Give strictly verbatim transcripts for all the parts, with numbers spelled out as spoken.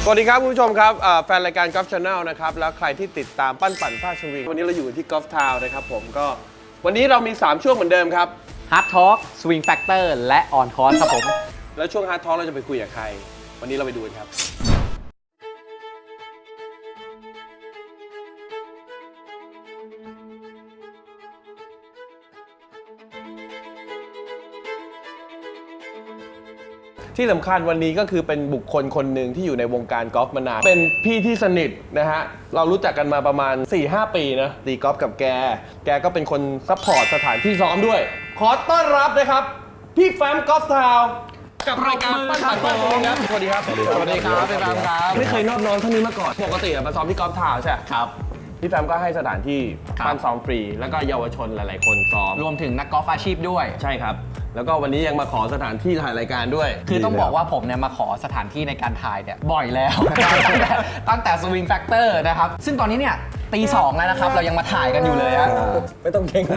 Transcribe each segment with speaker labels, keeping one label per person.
Speaker 1: สวัสดีครับคุณผู้ชมครับแฟนรายการ Golf Channel นะครับแล้วใครที่ติดตามปั้นปั่นท่าสวิงวันนี้เราอยู่ที่ Golf Town นะครับผมก็วันนี้เรามีสามช่วงเหมือนเดิมครับ
Speaker 2: Hard Talk Swing Factor และ On Course ครับผม
Speaker 1: แล้วช่วง Hard Talk เราจะไปคุยกับใครวันนี้เราไปดูกันครับที่สำคัญวันนี้ก็คือเป็นบุคคลคนหนึ่งที่อยู่ในวงการกอล์ฟมานานเป็นพี่ที่สนิทนะฮะเรารู้จักกันมาประมาณ สี่ห้า ปีนะตีกอล์ฟกับแกแกก็เป็นคนซัพพอร์ตสถานที่ซ้อมด้วยขอต้อนรับนะครับพี่แฟมกอล์ฟทาวน์กับรายการปั้นปั่นท่าสวิงครับสวัสดีครับสวัสดีครับพี่แฟมครับไม่เคยนอบน้อมเท่านี้มาก่อนปกติมาซ้อมที่กอล์ฟทาวน์ใช่ครับพี่แฟมก็ให้สถานที่ปั้นซ้อมฟรีแล้วก็เยาวชนหลายๆคนซ้อม
Speaker 2: รวมถึงนักกอล์ฟอาชีพด้วย
Speaker 1: ใช่ครับแล้วก็วันนี้ยังมาขอสถานที่ถ่ายรายการด้วย
Speaker 2: คือต้องบอกว่าผมเนี่ยมาขอสถานที่ในการถ่ายเนี่ยบ่อยแล้ว ตั้งแต่ Swing Factor นะครับซึ่งตอนนี้เนี่ยตีสองแล้วนะครับเรายังมาถ่ายกันอยู่เลยฮะ
Speaker 1: ไม่ต้องเก่ง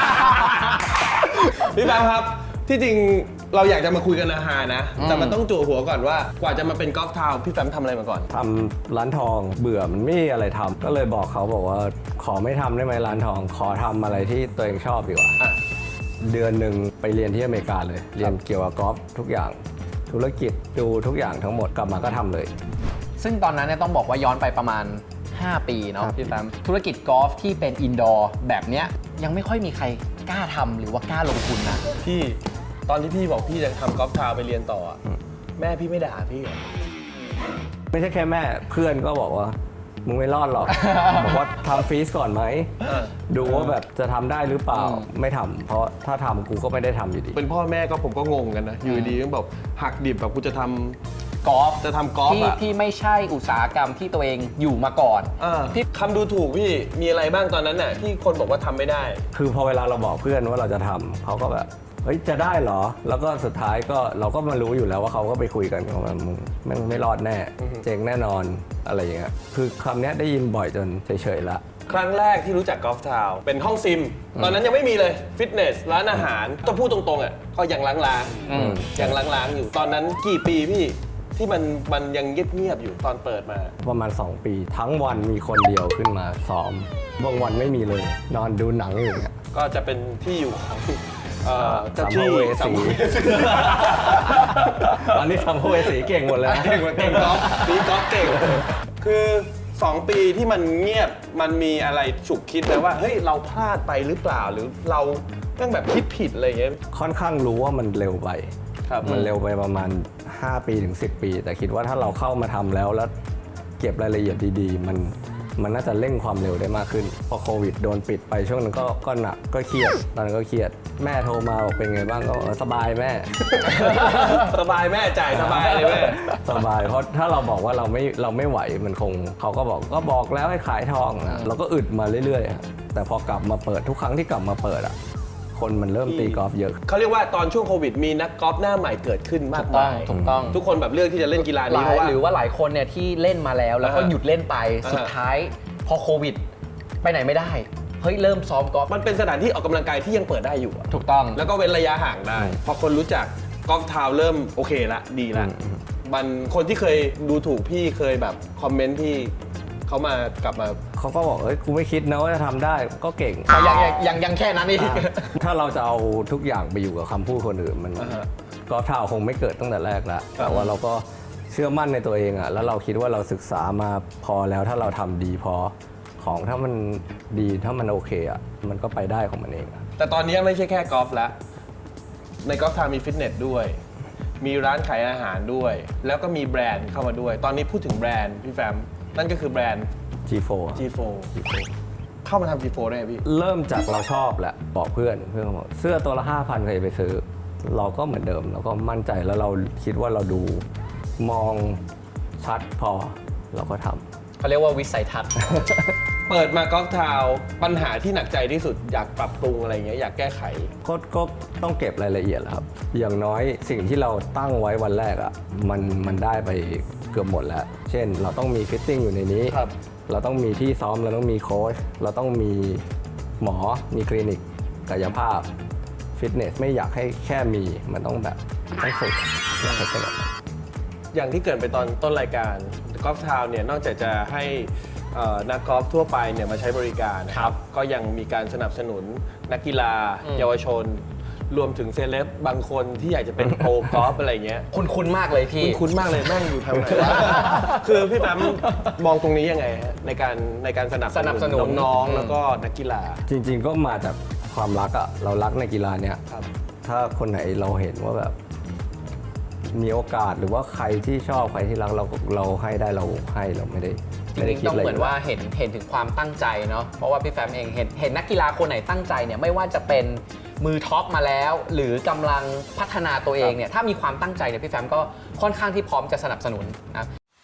Speaker 1: พี่แฟมครับที่จริงเราอยากจะมาคุยกันอาหารนะแต่มันต้องจั่วหัวก่อนว่ากว่าจะมาเป็นกอล์ฟทาวน์พี่แฟมทำอะไรมาก่อน
Speaker 3: ทำร้านทองเบื่อมันไม่มีอะไรทำก็เลยบอกเขาบอกว่าขอไม่ทำได้ไหมร้านทองขอทำอะไรที่ตัวเองชอบดีกว่าเดือนหนึ่งไปเรียนที่อเมริกาเลยเรียนเกี่ยวกับกอล์ฟทุกอย่างธุรกิจดูทุกอย่างทั้งหมดกลับมาก็ทำเลย
Speaker 2: ซึ่งตอนนั้นเนี่ยต้องบอกว่าย้อนไปประมาณห้าปีเนาะพี่แฟมธุรกิจกอล์ฟที่เป็นอินดอร์แบบเนี้ยยังไม่ค่อยมีใครกล้าทำหรือว่ากล้าลงทุนนะ
Speaker 1: พี่ตอนที่พี่บอกพี่จะทำกอล์ฟทาวน์ไปเรียนต่อแม่พี่ไม่ด่าพี่เหรอ
Speaker 3: ไม่ใช่แค่แม่เพื่อนก็บอกว่ามึงไม่รอดหรอก บอกว่าทำฟรีสก่อนไหมดูว่าแบบจะทำได้หรือเปล่าไม่ทำเพราะถ้าทำกูก็ไม่ได้ทำอยู่ดี
Speaker 1: เป็นพ่อแม่ก็ผมก็งงกันนะอยู่ดีก็แบบหักดิบแบบกูจะทำกอล์ฟจะทำกอล์ฟ
Speaker 2: อะที่ไม่ใช่อุตสาหกรรมที่ตัวเองอยู่มาก่อน
Speaker 1: ที่คำดูถูกพี่มีอะไรบ้างตอนนั้นน่ะที่คนบอกว่าทำไม่ได้
Speaker 3: คือพอเวลาเราบอกเพื่อนว่าเราจะทำเขาก็แบบเฮ้ยจะได้เหรอแล้วก็สุดท้ายก็เราก็มารู้อยู่แล้วว่าเขาก็ไปคุยกันว่ามึงไม่ไม่รอดแน่เจ๊งแน่นอนอะไรอย่างเงี้ยคือคำนี้ได้ยินบ่อยจนเฉยๆละ
Speaker 1: ครั้งแรกที่รู้จักกอล์ฟทาวน์เป็นห้องซิมตอนนั้นยังไม่มีเลยฟิตเนสร้านอาหารต้องพูดตรงๆอ่ะก็ยังล้างๆยังล้างๆอยู่ตอนนั้นกี่ปีพี่ที่มันมันยังเงียบๆอยู่ตอนเปิดมา
Speaker 3: ประมาณสองปีทั้งวันมีคนเดียวขึ้นมาซ้อมบางวันไม่มีเลยนอนดูหนังอยู่เนี่ย
Speaker 1: ก็จะเป็นที่อยู่ของ
Speaker 3: สัมภเวสีตอนนี้สัมภเวสีเก่งหมดเลย
Speaker 1: เก่งเก่งกอล์ฟตีกอล์ฟเก่งคือสองปีที่มันเงียบมันมีอะไรฉุกคิดเลยว่าเฮ้ยเราพลาดไปหรือเปล่าหรือเราต้องแบบคิดผิดอะไรเงี้ย
Speaker 3: ค่อนข้างรู้ว่ามันเร็วไปมันเร็วไปประมาณห้าปีถึงสิบปีแต่คิดว่าถ้าเราเข้ามาทำแล้วแล้วเก็บรายละเอียดดีๆมันมันน่าจะเร่งความเร็วได้มากขึ้นพอโควิดโดนปิดไปช่วงนั้นก็ก็หนักก็เครียดตอนนั้นก็เครียดแม่โทรมาบอกเป็นไงบ้างก็สบายแม่
Speaker 1: สบายแม่จ่ายสบายเลยแม่
Speaker 3: สบายเพราะถ้าเราบอกว่าเราไม่เราไม่ไหวมันคงเขาก็บอกก็บอกแล้วให้ขายทองนะเราก็อึดมาเรื่อยๆแต่พอกลับมาเปิดทุกครั้งที่กลับมาเปิดอ่ะคนมันเริ่มตีกอล์ฟเยอะ
Speaker 1: เขาเรียกว่าตอนช่วงโควิดมีนักกอล์ฟหน้าใหม่เกิดขึ้นมากมาย
Speaker 2: ถูกต้อง
Speaker 1: ทุกคนแบบเลือกที่จะเล่นกีฬานี้เพราะว่า
Speaker 2: หรือว่าหลายคนเนี่ยที่เล่นมาแล้วแล้วก็หยุดเล่นไปสุดท้ายพอโควิดไปไหนไม่ได้เฮ้ยเริ่มซ้อมกอล์ฟ
Speaker 1: มันเป็นสถานที่ออกกำลังกายที่ยังเปิดได้อยู่
Speaker 2: ถูกต้อง
Speaker 1: แล้วก็เว้นระยะห่างได้พอคนรู้จักกอล์ฟทาวน์เริ่มโอเคละดีละมันคนที่เคยดูถูกพี่เคยแบบคอมเมนต์พี่เขามากลับมา
Speaker 3: เขาก็บอกเอ้ยกูไม่คิดนะว่าจะทำได้ก็เก่ง
Speaker 2: ยังยังยังแค่นั้นเอง
Speaker 3: ถ้าเราจะเอาทุกอย่างไปอยู่กับคำพูดคนอื่นมันกอล์ฟทาวน์คงไม่เกิดตั้งแต่แรกแล้วแต่ว่าเราก็เชื่อมั่นในตัวเองอ่ะแล้วเราคิดว่าเราศึกษามาพอแล้วถ้าเราทำดีพอของถ้ามันดีถ้ามันโอเคอ่ะมันก็ไปได้ของมันเอง
Speaker 1: แต่ตอนนี้ไม่ใช่แค่กอล์ฟแล้วในกอล์ฟทาวน์มีฟิตเนสด้วยมีร้านขายอาหารด้วยแล้วก็มีแบรนด์เข้ามาด้วยตอนนี้พูดถึงแบรนด์พี่แฟมนั่นก็คือแบรนด์
Speaker 3: จี โฟร์
Speaker 1: จี โฟร์ เข้ามาทำ จี โฟร์ ได้ไหมพี่
Speaker 3: เริ่มจากเราชอบแหละบอกเพื่อนเพื่อนบอกเสื้อตัวละห้าพันใครไปซื้อเราก็เหมือนเดิมเราก็มั่นใจแล้วเราคิดว่าเราดูมองชัดพอเราก็ทำ
Speaker 2: เขาเรียกว่าวิสัยทัศน์
Speaker 1: เปิดมากอล์ฟทาวน์ปัญหาที่หนักใจที่สุดอยากปรับปรุงอะไรเงี้ยอยากแก้ไข
Speaker 3: ก็ก็ต้องเก็บรายละเอียดแหละครับอย่างน้อยสิ่งที่เราตั้งไว้วันแรกอ่ะมันมันได้ไปเกือบหมดแล้วเช่นเราต้องมีฟิตติ้งอยู่ในนี้เราต้องมีที่ซ้อมเราต้องมีโค้ชเราต้องมีหมอมีคลินิกกายภาพฟิตเนสไม่อยากให้แค่มีมันต้องแบบต้องฝึกอยากให้เป็นแบบ
Speaker 1: อย่างที่เกิดไปตอนต้นรายการกอล์ฟทาวน์เนี่ยนอกจากจะให้เอ่อนักกอล์ฟทั่วไปเนี่ยมาใช้บริการนะครับก็ยังมีการสนับสนุนนักกีฬา เยาวชน รวมถึงเซเลบบางคนที่อยากจะเป็นโปรกอล์ฟอะไรเงี้ย
Speaker 2: คุณคุ้นมากเลยพี่
Speaker 1: คุณคุ้นมากเลยแม่งอยู่ทางไหนวะ คือพี่แป๊มมองตรงนี้ยังไงฮะในการในการสนับ
Speaker 2: สนับสนุน
Speaker 1: น้อง
Speaker 2: อืม
Speaker 1: ๆแล้วก็นักกีฬา
Speaker 3: จริงๆก็มาจากความรักอะเรารักในกีฬาเนี้ย
Speaker 1: ครับ
Speaker 3: ถ้าคนไหนเราเห็นว่าแบบมีโอกาสหรือว่าใครที่ชอบใครที่รักเราเราให้ได้เราให้เราไม่ได้
Speaker 2: จ
Speaker 3: ไม่ได้
Speaker 2: ริง
Speaker 3: คิ
Speaker 2: ๆ
Speaker 3: ด
Speaker 2: ต้อง
Speaker 3: อะไร
Speaker 2: เหมือนว่าเห็นเห็นถึงความตั้งใจเนาะเพราะว่าพี่แฟมเองเห็นเห็นนักกีฬาคนไหนตั้งใจเนี่ยไม่ว่าจะเป็นมือท็อปมาแล้ว หรือกำลังพัฒนาตัวเองเนี่ยถ้ามีความตั้งใจเนี่ยพี่แฟมก็ค่อนข้างที่พร้อมจะสนับสนุนนะ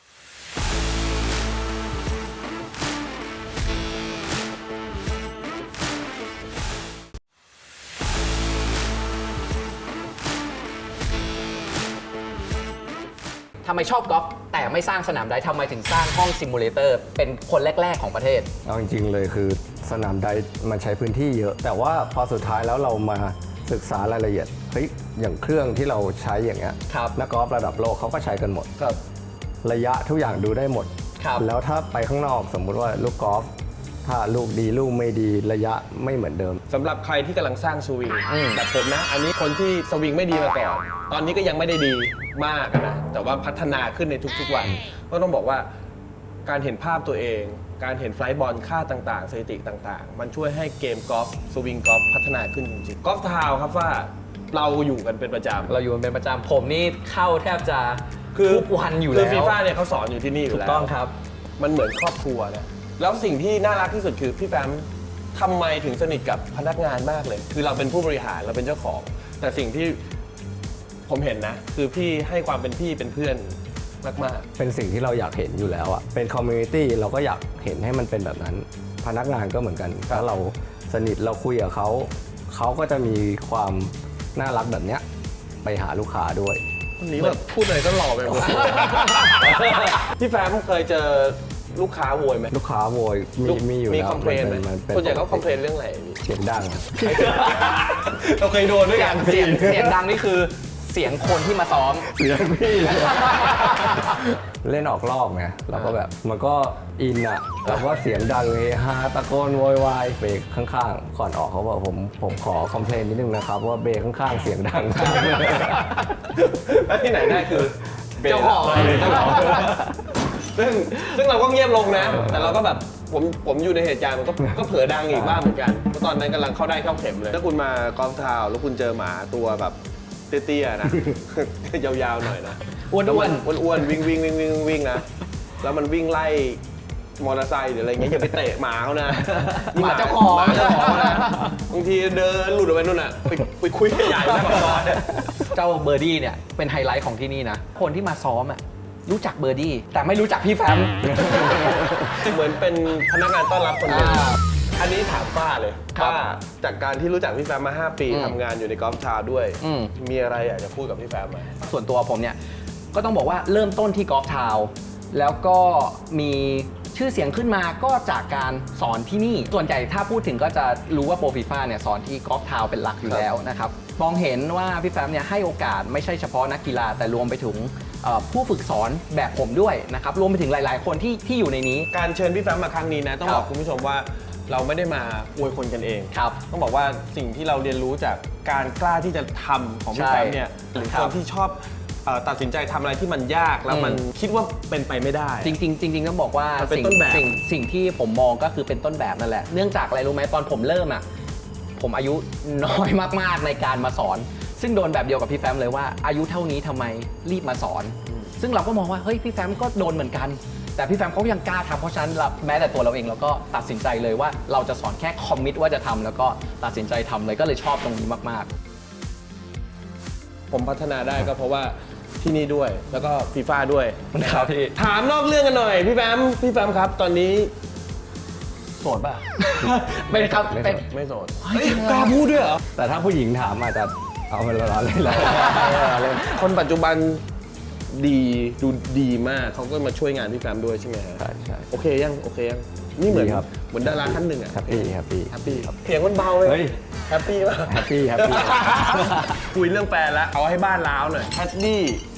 Speaker 2: ทำไมชอบกอล์ฟแต่ไม่สร้างสนามไดฟ์ทำไมถึงสร้างห้องซิมูเลเตอร์เป็นคนแรก ๆ ของประเทศ
Speaker 3: เอาจริงๆเลยคือสนามไดฟ์มันใช้พื้นที่เยอะ แต่ว่าพอสุดท้ายแล้วเรามาศึกษารายละเอียดเฮ้ยอย่างเครื่องที่เราใช้อย่างเงี้ย
Speaker 2: ครับ
Speaker 3: นักกอล์ฟระดับโลกเขาก็ใช้กันหมด
Speaker 1: ครับ
Speaker 3: ระยะทุกอย่างดูได้หมด
Speaker 2: ครับ
Speaker 3: แล้วถ้าไปข้างนอกสมมุติว่าลูกกอล์ฟถ้าลูกดีลูกไม่ดีระยะไม่เหมือนเดิม
Speaker 1: สำหรับใครที่กำลังสร้างสวิง
Speaker 2: อืม
Speaker 1: แบบผมนะ อันนี้คนที่สวิงไม่ดีมาก่อน ตอนนี้ก็ยังไม่ได้ดีมากอะนะ แต่ว่าพัฒนาขึ้นในทุกๆวัน ก็ต้องบอกว่าการเห็นภาพตัวเอง การเห็นไฟล์บอลค่าต่างๆสถิติต่างๆ มันช่วยให้เกมกอล์ฟสวิงกอล์ฟพัฒนาขึ้นจริงๆกอล์ฟทาวน์ครับว่าเราอยู่กันเป็นประจำ
Speaker 2: เราอยู่กันเป็นประจำผมนี่เข้าแทบจะ
Speaker 1: คือ
Speaker 2: ทุกวันอยู่
Speaker 1: คื
Speaker 2: แล้
Speaker 1: อฟี
Speaker 2: ว
Speaker 1: ฟ่าเนี่ยเขาสอนอยู่ที่นี่อ
Speaker 2: ถู
Speaker 1: ยู่
Speaker 2: ก
Speaker 1: แล้ว
Speaker 2: ต้องครับ
Speaker 1: มันเหมือนครอบครัวนะแล้วสิ่งที่น่ารักที่สุดคือพี่แฟมทำไมถึงสนิทกับพนักงานมากเลย คือเราเป็นผู้บริหารเราเป็นเจ้าของ แต่สิ่งที่ผมเห็นนะ คือพี่ให้ความเป็นพี่เป็นเพื่อนมาก
Speaker 3: เป็นสิ่งที่เราอยากเห็นอยู่แล้วอะเป็นคอมมูนิตี้เราก็อยากเห็นให้มันเป็นแบบนั้น พนักงานก็เหมือนกัน ถ้าเราสนิทเราคุยกับเขาเขาก็จะมีความน่ารักแบบเนี้ยไปหาลูกค้าด้วย
Speaker 1: ๆวันนี้แบบพูดอะไรก็หล่อไปหมด พี่แฟมเคยเจอลูกค้าโวยไหม
Speaker 3: ลูกค้าโวยมีมีอยู่
Speaker 1: มี
Speaker 3: แล้ว
Speaker 1: คอมเพลนไหม
Speaker 3: มันเป็น
Speaker 1: ส่วนใหญ่เขาคอมเพลนเรื่องอะไรพี่
Speaker 3: เสียงดัง
Speaker 1: เราเคยโดนด้วยกัน
Speaker 2: เสียงเสียงดังนี่คือเสียงคนที่มาซ้อม
Speaker 3: เสียงพี่ เล่นออกรอบไงเราก็แบบมันก็อินอะเราก็เสียงดังเฮฮาตะโกนโวยวายเบรกข้างๆ ก่อนออกเขาบอกผมผมขอคอมเพลนนิดนึงนะครับว่าเบรกข้างๆเสียงดังมาก
Speaker 1: แล้วที่ไหนได้คือ
Speaker 2: เจ้าของ
Speaker 1: เจ้าของซึ่งซึ่งเราก็เงียบลงนะ แต่เราก็แบบผมผมอยู่ในเหตุการณ์มันก็ก็เผลอดังอีกบ้างเหมือนกันเพราะตอนนั้นกำลังเข้าได้เข้าเข็มเลย ถ้าคุณมากอล์ฟทาวน์แล้วคุณเจอหมาตัวแบบเตี้ยๆนะ ยาวๆหน่อยนะ
Speaker 2: อ้วนๆ
Speaker 1: แล้วมันอ้วนๆวิ่งวิ่งวิ่งวิ่งวิ่งนะแล้วมันวิ่งไล่มอเตอร์ไซค์หรืออะไรเงี้ยอย่าไปเตะหมาเขานะ
Speaker 2: หมาเจ้าของ
Speaker 1: หมาเจ้าของนะบางทีเดินหลุดออกไปนู่นน่ะไปไปคุยกับใหญ่นะกับซอยเนี่ย
Speaker 2: เจ้าเบอร์ดี้เนี่ยเป็นไฮไลท์ของที่นี่นะ คนที่มาซ้อมอ่ะรู้จักเบอร์ดี้แต่ไม่รู้จักพี่แฟม
Speaker 1: เหมือนเป็นพนักงานต้อนรับคนหนึ่ง
Speaker 2: อ่า
Speaker 1: อันนี้ถามป้าเลย
Speaker 2: ครับ
Speaker 1: ป้าจากการที่รู้จักพี่แฟมมา ห้า ปี
Speaker 2: อืม
Speaker 1: ทำงานอยู่ในกอล์ฟทาวน์ด้วย
Speaker 2: อืม
Speaker 1: มีอะไรอยากจะพูดกับพี่แฟมไหม
Speaker 2: ส่วนตัวผมเนี่ยก็ต้องบอกว่าเริ่มต้นที่กอล์ฟทาวน์แล้วก็มีชื่อเสียงขึ้นมาก็จากการสอนที่นี่ ส่วนใหญ่ถ้าพูดถึงก็จะรู้ว่าโปรฟีฟ่าเนี่ยสอนที่กอล์ฟทาวน์เป็นหลักอยู่แล้วนะครับมองเห็นว่าพี่แฟมเนี่ยให้โอกาสไม่ใช่เฉพาะนักกีฬาแต่รวมไปถึงเอ่อผู้ฝึกสอนแบบผมด้วยนะครับรวมไปถึงหลาย ๆ คนที่ที่อยู่ในนี้
Speaker 1: การเชิญพี่แฟมมาครั้งนี้นะต้อง
Speaker 2: ครับ
Speaker 1: บอกคุณผู้ชมว่าเราไม่ได้มาอวยคนกันเอง
Speaker 2: ครับ
Speaker 1: ต้องบอกว่าสิ่งที่เราเรียนรู้จากการกล้าที่จะทำของพี่
Speaker 2: ใช่
Speaker 1: แฟมเนี่ยหรือ
Speaker 2: ครั
Speaker 1: ค
Speaker 2: บ
Speaker 1: นที่ชอบเอ่อตัดสินใจทำอะไรที่มันยากแล้วมัน
Speaker 2: อืม
Speaker 1: คิดว่าเป็นไปไม่ได้
Speaker 2: จริงๆจริงๆต้องบอกว่า
Speaker 1: มันเป็น
Speaker 2: สิ่ง
Speaker 1: ต้นแบบ
Speaker 2: สิ่งสิ่งที่ผมมองก็คือเป็นต้นแบบนั่นแหละ เนื่องจากอะไรรู้ไหมตอนผมเริ่มอ่ะผมอายุน้อยมากๆในการมาสอน ซึ่งโดนแบบเดียวกับพี่แฟมเลยว่าอายุเท่านี้ทำไมรีบมาสอน ซึ่งเราก็มองว่าเฮ้ยพี่แฟมก็โดนเหมือนกัน แต่พี่แฟมเขายังกล้าทำเพราะฉะนั้นเราแม้แต่ตัวเราเองเราก็ตัดสินใจเลยว่าเราจะสอนแค่คอมมิตว่าจะทำแล้วก็ตัดสินใจทำเลยก็เลยชอบตรงนี้มากๆ
Speaker 1: ผมพัฒนาได้ก็เพราะว่าที่นี่ด้วยแล้วก็ฟีฟ่าด้วย
Speaker 2: ครับพี่
Speaker 1: ถามนอกเรื่องกันหน่อยพี่แฟมพี่แฟมครับ ตอนนี้โสดป่ะ
Speaker 2: เป็นครับ
Speaker 3: ไม่
Speaker 2: เป็น
Speaker 1: ไม่โสด
Speaker 2: เฮ้ย
Speaker 1: เฮ้ยกล้าพูดด้วยเหรอ
Speaker 3: แต่ถ้าผู้หญิงถามอาจจะเอามาล้อเล่นเรา
Speaker 1: คนปัจจุบันดีดูดีมากเขาก็มาช่วยงานพี่แฟมด้วยใช่ไหมฮะ
Speaker 3: ใช่ใช่
Speaker 1: โอเคยังโอเคยังนี่เหมือน
Speaker 3: ดีครับ
Speaker 1: เหมือนดาราท่านหนึ่งอะ
Speaker 3: แฮปปี้แฮปปี้
Speaker 1: แฮปปี้เสียงมันเบาเลย
Speaker 3: เฮ้ย
Speaker 1: แฮปปี้ป่ะ
Speaker 3: แฮปปี้แฮปปี้
Speaker 1: คุยเรื่องแฟนแล้วเอาให้บ้านล้าวหน่อยแคดดี้ส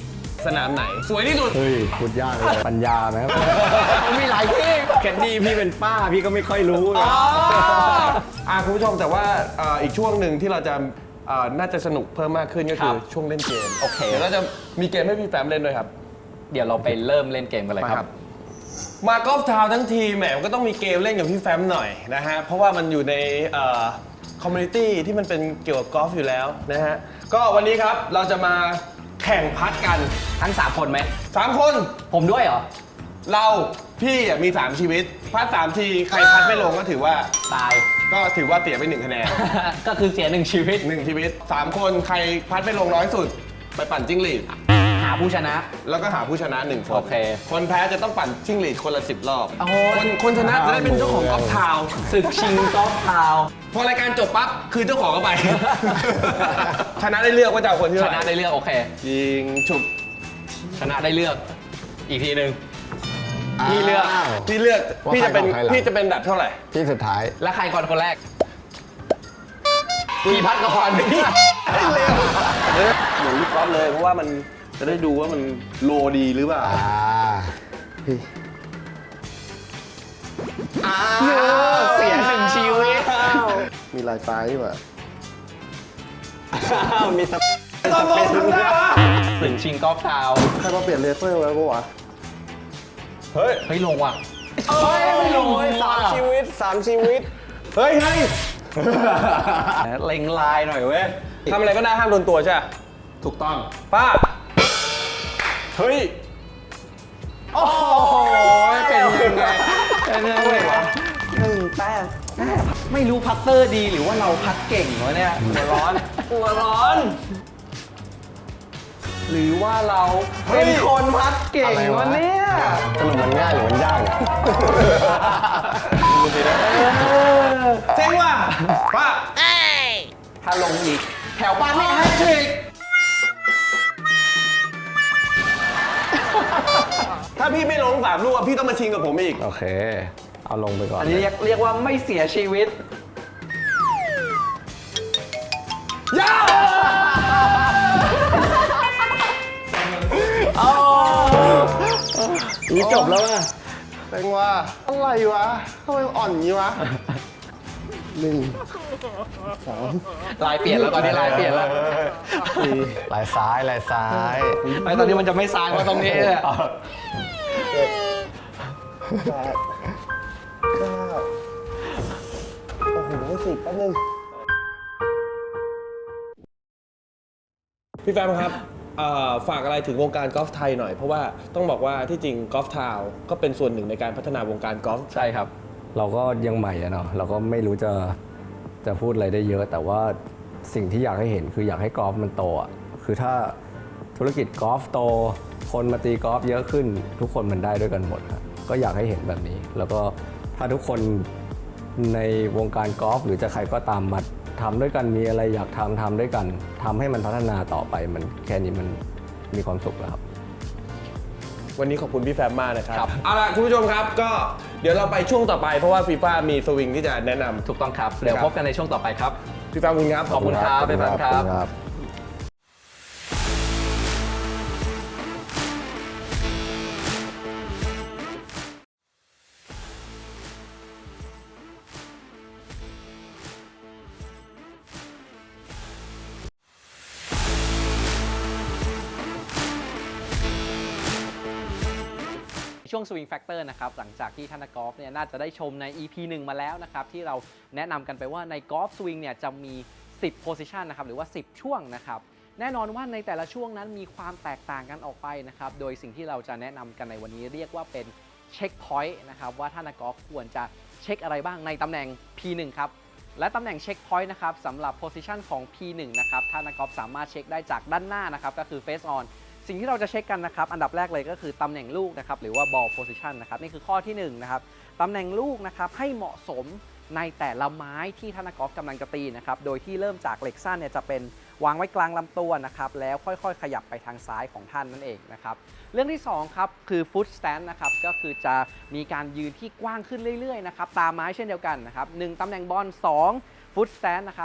Speaker 1: สนามไหน สวยที่สุด
Speaker 3: เฮ้ยพูดยากเลยปัญญาไหมครับ มีหลายที่แคนดี้พี่เป็นป้าพี่ก็ไม่ค่อยรู้นะ
Speaker 1: อ่าคุณผู้ชมแต่ว่าเอ่ออีกช่วงหนึ่งที่เราจะเอ่อน่าจะสนุกเพิ่มมากขึ้นก็คือช่วงเล่นเกม
Speaker 2: โอเค
Speaker 1: เดี๋ยวเราจะมีเกมให้พี่แฟมเล่นด้วยครับ
Speaker 2: เดี๋ยวเราไปเริ่มเล่นเกมกันเลยครับ
Speaker 1: มากอล์ฟทาวน์ทั้งทีแหมก็ต้องมีเกมเล่นกับพี่แฟมหน่อยนะฮะเพราะว่ามันอยู่ในคอมมูนิตี้ที่มันเป็นเกี่ยวกับกอล์ฟอยู่แล้วนะฮะก็วันนี้ครับเราจะมาแข่งพัดกัน
Speaker 2: ทั้งสามคนไหม
Speaker 1: สามคน
Speaker 2: ผมด้วยเหรอ
Speaker 1: เราพี่อ่ะมีสามชีวิตพัดสามทีใครพัดไม่ลงก็ถือว่า
Speaker 2: ตาย
Speaker 1: ก็ถือว่าเสียไปหนึ่งคะแนน
Speaker 2: ก็คือเสียหนึ่งชีวิต
Speaker 1: หนึ่งชีวิตสามคนใครพัดไม่ลงน้อยสุด ไปปั่นจิ้งหรีด
Speaker 2: หาผู้ชนะ
Speaker 1: แล้วก็หาผู้ชนะหนึ่งคน
Speaker 2: โอเค
Speaker 1: คนแพ้จะต้องปั่นจิ้งหรีดคนละสิบรอบ
Speaker 2: โอ้โห
Speaker 1: คนคนชนะจะได้เป็นเจ้าของกอล์ฟทาวน์
Speaker 2: ศึกชิงกอล์ฟทาวน์
Speaker 1: พอรายการจบปั๊บคือเจ้าของก็ไป ชนะได้เลือกว่าจะเอาคนที่
Speaker 2: ช
Speaker 1: เท่าไห
Speaker 2: นะ
Speaker 1: ร่
Speaker 2: ได้เลือกโอเค
Speaker 1: ยิงฉุบ
Speaker 2: ชนะได้เลือก อีกทีหนึ่งพี่เลือก
Speaker 3: อ้าว
Speaker 1: พี่เลือก
Speaker 3: ว่า
Speaker 1: พี่จะเป็น
Speaker 3: ใครก่อนใครหลัง
Speaker 1: พี่จะเป็นดับเท่าไหร่
Speaker 3: ที่สุดท้าย
Speaker 2: แล้วใครก่อนคนแรกพี่พัดก่อน พี่
Speaker 1: เร็วเหมือนลูกกอล์ฟเลยเพราะว่ามันจะได้ดูว่ามันโลดีหรือเปล่า
Speaker 3: อ่า
Speaker 2: อ้าวเสียหนึ่งชีวิต
Speaker 1: มีลายฟ้าดีกว่า
Speaker 3: มีสเป
Speaker 1: ต้องลงทำได้ปะ
Speaker 2: ศึกชิงกอล์ฟทาวน์
Speaker 1: ใครมาเปลี่ยนเลเซอร์ไว้ปะวะเฮ้ย
Speaker 2: เฮ้ยลงว่ะ
Speaker 3: เฮ้ยไม่ลงสามชีวิตสามชีวิต
Speaker 1: เฮ้ยเฮ้ย
Speaker 2: เล็งลายหน่อยเว้ย
Speaker 1: ทำอะไรก็ได้ห้ามโดนตัวใช่ไหม
Speaker 2: ถูกต้อง
Speaker 1: ป้าเฮ้ย
Speaker 2: โอ้โหเป็นยังไงเป็นยังไงวะ
Speaker 3: หนึ่งแต้ม
Speaker 2: ไม่รู้พัตเตอร์ดีหรือว่าเราพัดเก่งวะเนี่ยหัวร้อนหัวร้อน หรือว่าเราเป็นคนพัดเก่งวะเนี่ย
Speaker 3: สรุปมันง่ายหรือมันยากเนี่ย
Speaker 1: ดูสินะเจ๋งว่ะป้า
Speaker 2: ถ้าลงอีกแถวบ้านไม่แฮตทริก
Speaker 1: ถ้าพี่ไม่ลงสามลูกอะพี่ต้องมาชิงกับผมอีก
Speaker 3: โอเค เอาลงไปก่อน
Speaker 2: อันนี้เรียกเรียกว่าไม่เสียชีวิต
Speaker 1: ย่า
Speaker 3: นี่จบแล้วอ่ะ
Speaker 1: เจ๋งว่ะอะไรวะทำไมอ่อนงี้วะหนึ่งสอง
Speaker 2: ลายเปลี่ยนแล้วตอนนี้ลายเปลี่ยนแล้ว
Speaker 1: สี่
Speaker 3: ลายซ้ายลายซ้าย
Speaker 2: ไอ้ตอนนี้มันจะไม่ซ้ายมาตรงนี้เลย
Speaker 1: แปดเก้าโอ้โหสิบแป๊บนึงพี่แฟมครับเอ่อฝากอะไรถึงวงการกอล์ฟไทยหน่อย เพราะว่าต้องบอกว่าที่จริงกอล์ฟทาวน์ก็เป็นส่วนหนึ่งในการพัฒนาวงการกอล์ฟ
Speaker 2: ใช่ครับ
Speaker 3: เราก็ยังใหม่อะเนาะเราก็ไม่รู้จะจะพูดอะไรได้เยอะ แต่ว่าสิ่งที่อยากให้เห็นคืออยากให้กอล์ฟมันโตอะคือถ้าธุรกิจกอล์ฟโต คนมาตีกอล์ฟเยอะขึ้น ทุกคนมันได้ด้วยกันหมดครับก็อยากให้เห็นแบบนี้ แล้วก็ถ้าทุกคนในวงการกอล์ฟหรือจะใครก็ตามมาทำด้วยกันมีอะไรอยากทำทำด้วยกันทำให้มันพัฒนาต่อไปมันแค่นี้มันมีความสุขแล้วครับ
Speaker 1: วันนี้ขอบคุณพี่แฟมมากนะครับ
Speaker 2: ครับ
Speaker 1: เอาล่ะคุณผู้ชมครับก็เดี๋ยวเราไปช่วงต่อไปเพราะว่าฟีฟ่ามีสวิงที่จะแนะนำ
Speaker 2: ถูกต้องครับ เดี๋ยวพบกันในช่วงต่อไปครับ
Speaker 1: พี่แฟมคุณครับ
Speaker 2: ขอบคุณครับพี่แฟมครับ
Speaker 3: ขอณครับ
Speaker 2: ช่วง Swing Factor นะครับหลังจากที่ท่านนักกอล์ฟเนี่ยน่าจะได้ชมใน อี พี หนึ่งมาแล้วนะครับที่เราแนะนำกันไปว่าในกอล์ฟสวิงเนี่ยจะมี สิบ position นะครับหรือว่า สิบ ช่วงนะครับแน่นอนว่าในแต่ละช่วงนั้นมีความแตกต่างกันออกไปนะครับโดยสิ่งที่เราจะแนะนำกันในวันนี้เรียกว่าเป็นเช็คพอยต์นะครับว่าท่านนักกอล์ฟควรจะเช็คอะไรบ้างในตำแหน่ง พี หนึ่ง ครับและตำแหน่งเช็คพอยต์นะครับสำหรับ position ของ พี หนึ่ง นะครับท่านนักกอล์ฟสามารถเช็คได้จากด้านหน้านะครับก็คือ face onสิ่งที่เราจะเช็คกันนะครับอันดับแรกเลยก็คือตำแหน่งลูกนะครับหรือว่า ball position นะครับนี่คือข้อที่หนึ่งนะครับตำแหน่งลูกนะครับให้เหมาะสมในแต่ละไม้ที่ท่านนักกอล์ฟกำลังจะตีนะครับโดยที่เริ่มจากเหล็กสั้นเนี่ยจะเป็นวางไว้กลางลำตัวนะครับแล้วค่อยๆขยับไปทางซ้ายของท่านนั่นเองนะครับเรื่องที่สองครับคือ foot stand นะครับก็คือจะมีการยืนที่กว้างขึ้นเรื่อยๆนะครับตามไม้เช่นเดียวกันนะครับหนึ่งตำแหน่งบอลสอง foot stand นะครับ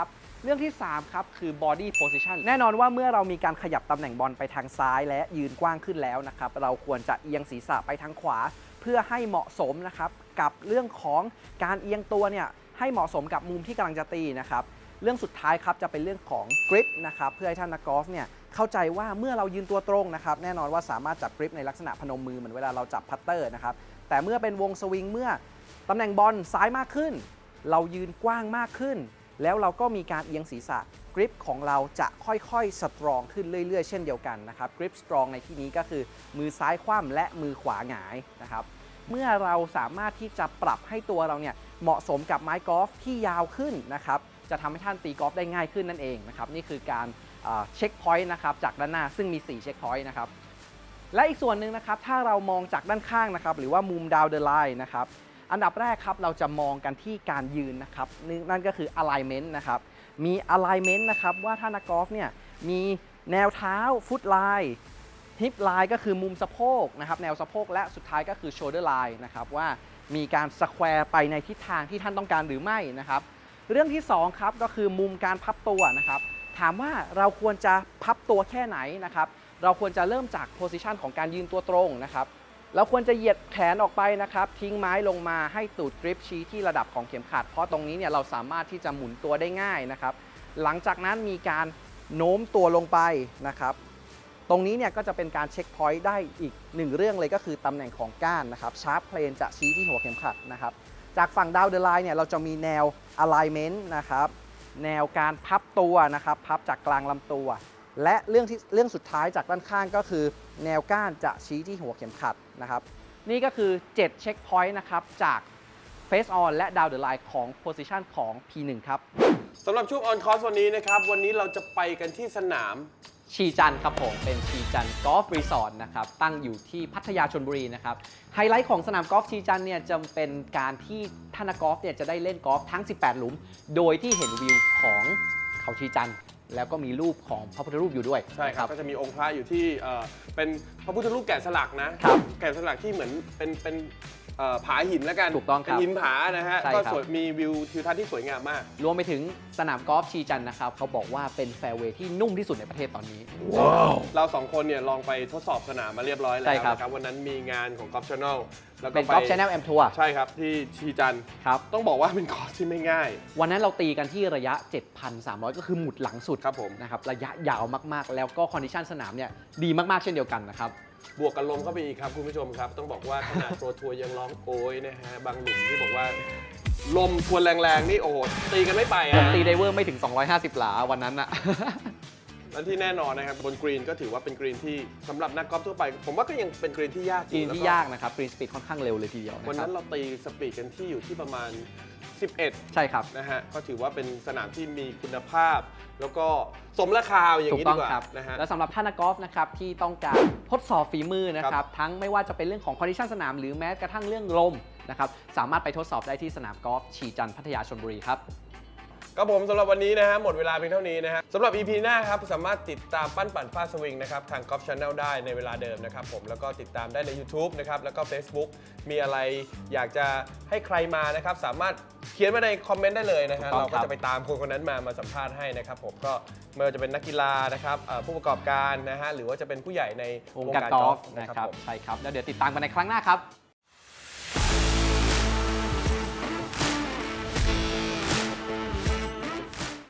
Speaker 4: เรื่องที่สามครับคือ body position แน่นอนว่าเมื่อเรามีการขยับตำแหน่งบอลไปทางซ้ายและยืนกว้างขึ้นแล้วนะครับเราควรจะเอียงศีรษะไปทางขวาเพื่อให้เหมาะสมนะครับกับเรื่องของการเอียงตัวเนี่ยให้เหมาะสมกับมุมที่กำลังจะตีนะครับเรื่องสุดท้ายครับจะเป็นเรื่องของ grip นะครับเพื่อให้ท่านนักกอล์ฟเนี่ยเข้าใจว่าเมื่อเรายืนตัวตรงนะครับแน่นอนว่าสามารถจับ grip ในลักษณะพนมมือเหมือนเวลาเราจับพัตเตอร์นะครับแต่เมื่อเป็นวงสวิงเมื่อตำแหน่งบอลซ้ายมากขึ้นเรายืนกว้างมากขึ้นแล้วเราก็มีการเอียงศีรษะ grip ของเราจะค่อยๆสตรองขึ้นเรื่อยๆเช่นเดียวกันนะครับ grip strong ในที่นี้ก็คือมือซ้ายคว่ำและมือขวาหงายนะครับเมื่อเราสามารถที่จะปรับให้ตัวเราเนี่ยเหมาะสมกับไม้กอล์ฟที่ยาวขึ้นนะครับจะทำให้ท่านตีกอล์ฟได้ง่ายขึ้นนั่นเองนะครับนี่คือการเช็คพอยต์นะครับจากด้านหน้าซึ่งมีสี่เช็คพอยต์นะครับและอีกส่วนหนึ่งนะครับถ้าเรามองจากด้านข้างนะครับหรือว่ามุม down the line นะครับอันดับแรกครับเราจะมองกันที่การยืนนะครับนั่นก็คือ alignment นะครับมี alignment นะครับว่าถ้านักกอล์ฟเนี่ยมีแนวเท้า foot line hip line ก็คือมุมสะโพกนะครับแนวสะโพกและสุดท้ายก็คือ shoulder line นะครับว่ามีการสแควร์ไปในทิศทางที่ท่านต้องการหรือไม่นะครับเรื่องที่สองครับก็คือมุมการพับตัวนะครับถามว่าเราควรจะพับตัวแค่ไหนนะครับเราควรจะเริ่มจากโพสิชันของการยืนตัวตรงนะครับเราควรจะเหยียดแขนออกไปนะครับทิ้งไม้ลงมาให้ตูดกริปชี้ที่ระดับของเข็มขัดเพราะตรงนี้เนี่ยเราสามารถที่จะหมุนตัวได้ง่ายนะครับหลังจากนั้นมีการโน้มตัวลงไปนะครับตรงนี้เนี่ยก็จะเป็นการเช็คพอยต์ได้อีกหนึ่งเรื่องเลยก็คือตำแหน่งของก้านนะครับชาร์ปเพลนจะชี้ที่หัวเข็มขัดนะครับจากฝั่งดาวเดอร์ไลน์เนี่ยเราจะมีแนว alignment นะครับแนวการพับตัวนะครับพับจากกลางลำตัวและเรื่องที่เรื่องสุดท้ายจากด้านข้างก็คือแนวก้านจะชี้ที่หัวเข็มขัดนะครับนี่ก็คือเจ็ดเช็คพอยต์นะครับจาก Face On และ Down the Line ของ Position ของ พี หนึ่ง ครับ
Speaker 1: สำหรับช่วง On Course วันนี้นะครับวันนี้เราจะไปกันที่สนาม
Speaker 2: ชีจันครับผมเป็นชีจันกอล์ฟรีสอร์ทนะครับตั้งอยู่ที่พัทยาชลบุรีนะครับไฮไลท์ของสนามกอล์ฟชีจันเนี่ยจะเป็นการที่ท่านนักกอล์ฟเนี่ยจะได้เล่นกอล์ฟทั้งสิบแปดหลุมโดยที่เห็นวิวของเขาชีจันแล้วก็มีรูปของพระพุทธรูปอยู่ด้วย
Speaker 1: ใช่ครับก็จะมีองค์พระอยู่ที่เอ่อเป็นพระพุทธรูปแกะสลักนะครับแกะสลักที่เหมือนเป็นเป็นเอ่อผาหินแล้วกัน
Speaker 2: ถูกต้องครับ
Speaker 1: เป็นหินผานะฮะก็สวยมีวิวทิวทัศน์ที่สวยงามมาก
Speaker 2: รวมไปถึงสนามกอล์ฟชีจันนะครับเขาบอกว่าเป็นแฟร์เวย์ที่นุ่มที่สุดในประเทศตอนนี้
Speaker 1: ว้าวเราสองคนเนี่ยลองไปทดสอบสนามมาเรียบร้อยแล้วนะครับวันนั้นมีงานของ Golf Channel แล้วก็
Speaker 2: เป็น Golf Channel Am Tour
Speaker 1: ใช่ครับที่ชีจัน
Speaker 2: ครับ
Speaker 1: ต้องบอกว่าเป็นคอร์สที่ไม่ง่าย
Speaker 2: วันนั้นเราตีกันที่ระยะ เจ็ดพันสามร้อย ก็คือหมุดหลังสุด
Speaker 1: ครับผม
Speaker 2: นะครับระยะยาวมากๆแล้วก็คอนดิชันสนามเนี่ยดีมากๆเช่นเดียวกันนะครับ
Speaker 1: บวกกันลมเข้าไปอีกครับคุณผู้ชมครับต้องบอกว่าขนาดโปรทัวร์ยังร้องโอยนะฮะบางหลุมที่บอกว่าลมทวนแรงๆนี่โอ้โหตีกันไม่ไปอ่ะ
Speaker 2: ผมตีไดเวอร์ไม่ถึงสองร้อยห้าสิบหลาวันนั้นอ่ะ
Speaker 1: และที่แน่นอนนะครับบนกรีนก็ถือว่าเป็นกรีนที่สำหรับนักกอล์ฟทั่วไปผมว่าก็ยังเป็นกรีนที่ยาก
Speaker 2: กรีนที่ยากนะครับกรีนสปีดค่อนข้างเร็วเลยทีเดียว
Speaker 1: วันนั้นเราตีสปีดกันที่อยู่ที่ประมาณสิบเอ็ด
Speaker 2: ใช่ครับ
Speaker 1: นะฮะก็ถือว่าเป็นสนามที่มีคุณภาพแล้วก็สมราคาอย่างนี้ดีกว่านะฮะ
Speaker 2: และสำหรับท่านนักกอล์ฟนะครับที่ต้องการทดสอบฝีมือนะครับทั้งไม่ว่าจะเป็นเรื่องของคอนดิชันสนามหรือแม้กระทั่งเรื่องลมนะครับสามารถไปทดสอบได้ที่สนามกอล์ฟชีจันทร์พัทยาชลบุรีครับ
Speaker 1: ก็ผมสำหรับวันนี้นะฮะหมดเวลาเพียงเท่านี้นะฮะสำหรับ อี พี หน้าครับสามารถติดตามปั้นปั่นฟาดสวิงนะครับทาง Golf Channel ได้ในเวลาเดิมนะครับผมแล้วก็ติดตามได้ใน YouTube นะครับแล้วก็ Facebook มีอะไรอยากจะให้ใครมานะครับสามารถเขียนมาในคอมเมนต์ได้เลยนะฮะเราก็จะไปตามคนคนนั้นมามาสัมภาษณ์ให้นะครับผมก็ไม่ว่าจะเป็นนักกีฬานะครับผู้ประกอบการนะฮะหรือว่าจะเป็นผู้ใหญ่ใน
Speaker 2: วงการกอล์ฟนะครับใช่ครับแล้วเดี๋ยวติดตามกันในครั้งหน้าครับ